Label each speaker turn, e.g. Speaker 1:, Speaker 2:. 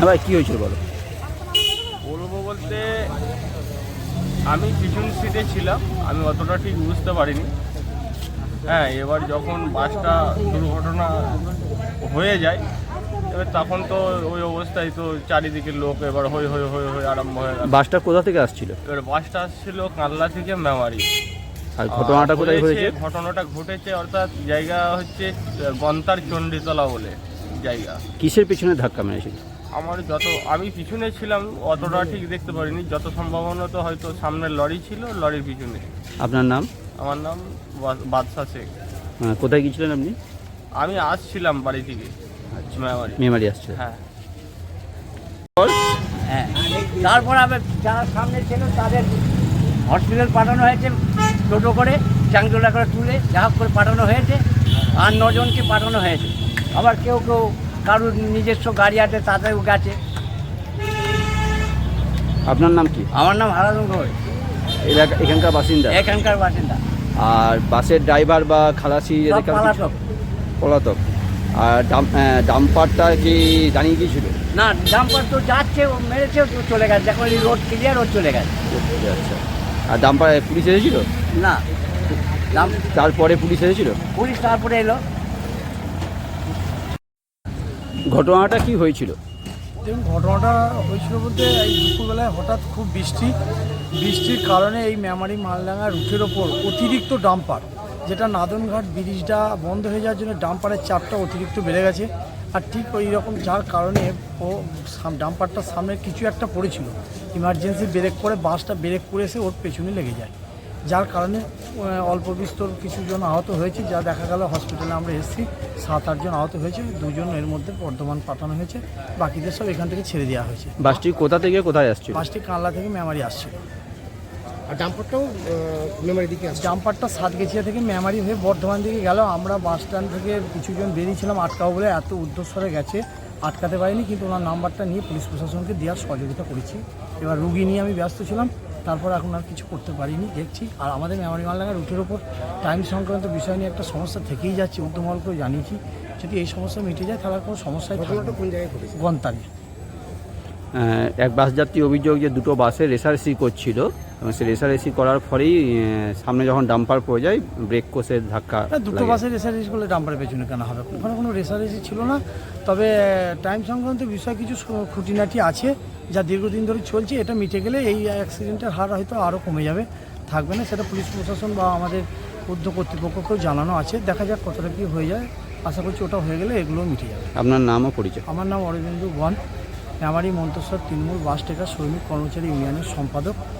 Speaker 1: হ্যাঁ ভাই, কী হয়েছিল বলো?
Speaker 2: বলবো বলতে আমি পিছন সিটে ছিলাম, আমি অতটা ঠিক বুঝতে পারিনি। হ্যাঁ, এবার যখন বাসটা দুর্ঘটনা হয়ে যায় এবার তখন তো ওই অবস্থায় তো চারিদিকে লোক এবার হই হই হই হই আরম্ভ হয়ে গেল।
Speaker 1: বাসটা কোথা থেকে আসছিল?
Speaker 2: এবার বাসটা আসছিল কানলা থেকে মেমারি।
Speaker 1: আর ঘটনাটা কোথায় হয়েছে?
Speaker 2: ঘটনাটা ঘটেছে অর্থাৎ জায়গা হচ্ছে গন্তার চণ্ডীতলা বলে জায়গা।
Speaker 1: কিসের পিছনে ধাক্কা মেরেছিল?
Speaker 2: আমি পিছনে ছিলাম, অতটা ঠিক দেখতে পারিনি, যত সম্ভাবনত হয়তো সামনে লরি ছিল, লরির পিছনে।
Speaker 1: আপনার নাম?
Speaker 2: আমার নাম বাদশা শেখ।
Speaker 1: কোথায় গিয়েছিলেন আপনি?
Speaker 2: আমি আসছিলাম বাড়ি থেকে মেমারি।
Speaker 1: মেমারি আসছে।
Speaker 2: হ্যাঁ।
Speaker 3: হ্যাঁ, তারপর আবার যারা সামনে ছিল তাদের হসপিটাল পাঠানো হয়েছে, টোটো করে চাংদোলা করে তুলে যা করে পাঠানো হয়েছে। আর 9 জনকে পাঠানো হয়েছে। আবার কেউ কেউ কারোর নিজস্ব গাড়ি আছে তাদেরও গেছে।
Speaker 1: আপনার নাম কি?
Speaker 3: আমার নাম হারাধন ঘোষ,
Speaker 1: এখানকার বাসিন্দা?
Speaker 3: এখানকার বাসিন্দা।
Speaker 1: আর বাসের ড্রাইভার বা খালাসি
Speaker 3: সব পালাতক।
Speaker 1: পলাতক। আর ডাম্পারটা কি দাঁড়িয়ে গিয়েছিল?
Speaker 3: না, ডাম্পার তো যাচ্ছে, ও মেরেছে, ও চলে গেছে। যখন রোড ক্লিয়ার ও চলে গেছে।
Speaker 1: আচ্ছা। আর ডাম্পার পুলিশ এসেছিল?
Speaker 3: না,
Speaker 1: তারপরে পুলিশ এসেছিল?
Speaker 3: পুলিশ তারপরে এলো।
Speaker 1: ঘটনাটা কি হয়েছিল?
Speaker 4: দেখুন, ঘটনাটা হয়েছিল বলতে এই দুপুরবেলায় হঠাৎ খুব বৃষ্টির কারণে এই মেমারি মালডাঙ্গা রুটের ওপর অতিরিক্ত ডাম্পার, যেটা নাদনঘাট ব্রিজটা বন্ধ হয়ে যাওয়ার জন্য ডাম্পারের চাপটা অতিরিক্ত বেড়ে গেছে। আর ঠিক ওই রকম যার কারণে ও ডাম্পারটার সামনে কিছু একটা পড়েছিল, ইমার্জেন্সি ব্রেক করে বাসটা ব্রেক করে এসে ওর পেছনে লেগে যায়, যার কারণে অল্প বিস্তর কিছু জন আহত হয়েছে। যা দেখা গেল হসপিটালে আমরা এসেছি, 7-8 জন আহত হয়েছে, 2 জন এর মধ্যে বর্ধমান পাঠানো হয়েছে, বাকিদের সব এখান থেকে ছেড়ে দেওয়া হয়েছে।
Speaker 1: বাসটি কোথা থেকে কোথায় আসছিল?
Speaker 4: বাসটি কানলা থেকে মেমারি আসছিল।
Speaker 5: আর ডাম্পারটাও মেমারি দিকে আসছে।
Speaker 4: জাম্পারটা সাতগেছিয়া থেকে মেমারি হয়ে বর্ধমান দিকে গেল। আমরা বাস স্ট্যান্ড থেকে কিছুজন বেরিয়েছিলাম, আটকাও বলে এত উদ্দেশ্যরে গেছে, আটকাতে পারিনি, কিন্তু ওনার নাম্বারটা নিয়ে পুলিশ প্রশাসনকে দেওয়ার সহযোগিতা করেছি। এবার রুগী নিয়ে আমি ব্যস্ত ছিলাম, তারপর এখন আর কিছু করতে পারিনি, দেখছি। আর আমাদের মেমারি মালডাঙ্গা রুটের ওপর টাইম সংক্রান্ত বিষয় নিয়ে একটা সমস্যা থেকেই যাচ্ছে, ঊর্ধ্বমহলকেও জানিয়েছি। যদি এই সমস্যা মিটে যায় তাহলে কোনো সমস্যায়
Speaker 5: ঘটনাটা কোন জায়গায় ঘটেছে?
Speaker 4: গন্তারে।
Speaker 1: এক বাস যাত্রী অভিযোগ যে দুটো বাসে রেসারেসি করছিল এবং সে রেসারেসি করার ফলেই সামনে যখন ডাম্পার পড়ে যায় ব্রেক কষে ধাক্কা।
Speaker 4: দুটো বাসে রেসারেসি করলে ডাম্পারের পেছনে কেন হবে? ওখানে কোনো রেসারেসি ছিল না। তবে টাইম সংক্রান্ত বিষয় কিছু খুঁটিনাটি আছে যা দীর্ঘদিন ধরে চলছে। এটা মিটে গেলে এই অ্যাক্সিডেন্টের হার হয়তো আরও কমে যাবে, থাকবে না। সেটা পুলিশ প্রশাসন বা আমাদের ঊর্ধ্ব কর্তৃপক্ষকেও জানানো আছে। দেখা যাক কতটা কী হয়ে যায়। আশা করছি ওটা হয়ে গেলে এগুলোও মিটে যাবে।
Speaker 1: আপনার নামও পরিচয়?
Speaker 4: আমার নাম অরবিন্দু বন, মেমারি মন্তেশ্বর তৃণমূল বাস টেকার শ্রমিক কর্মচারী ইউনিয়নের সম্পাদক।